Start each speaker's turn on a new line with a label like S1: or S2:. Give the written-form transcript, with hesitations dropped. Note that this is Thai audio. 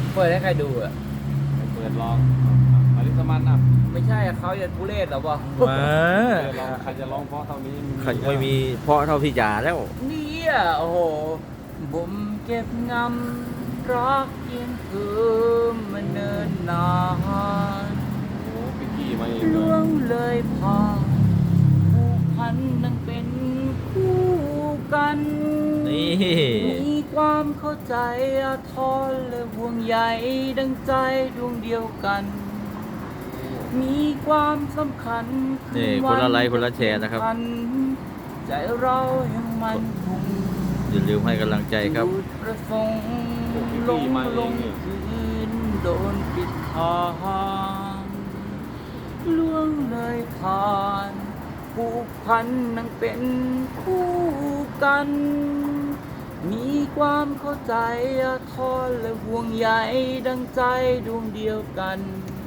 S1: เปิดให้ใครดูอ่ะ
S2: ไปเปิดลองมาริสมันอ่ะ
S1: ไม่ใช่เขาจะทุเรศหรอวะ
S3: มา
S2: เปิดลองใครจะร้องเพราะเท่านี้
S3: ไม่มีเพราะเท่าพี่จ๋าแล้ว
S1: เนี่ยโอ้โหผมเก็บงำรักเพียงคืนมาเนินนาน
S2: โอ้ไปขี่มาเอง
S1: ล่วงเลยผ่านผูกพันนังเป็นคู่กัน
S3: นี่
S1: มีความเข้าใจอาทรและห่วงใยดังใจดวงเดียวกัน มีความสำคัญ
S3: นี่คนละไลค์คนละแชร์นะครับ
S1: ใจเรายังมันคง
S3: อย่าลืมให้กำลังใจครับ
S1: จุดประสงค์ลงคืนโดนปิดทางล่วงเลยผ่านผูกพันนังเป็นคู่กัน มีความเข้าใจอาทรและห่วงใยดังใจดวงเดียวกัน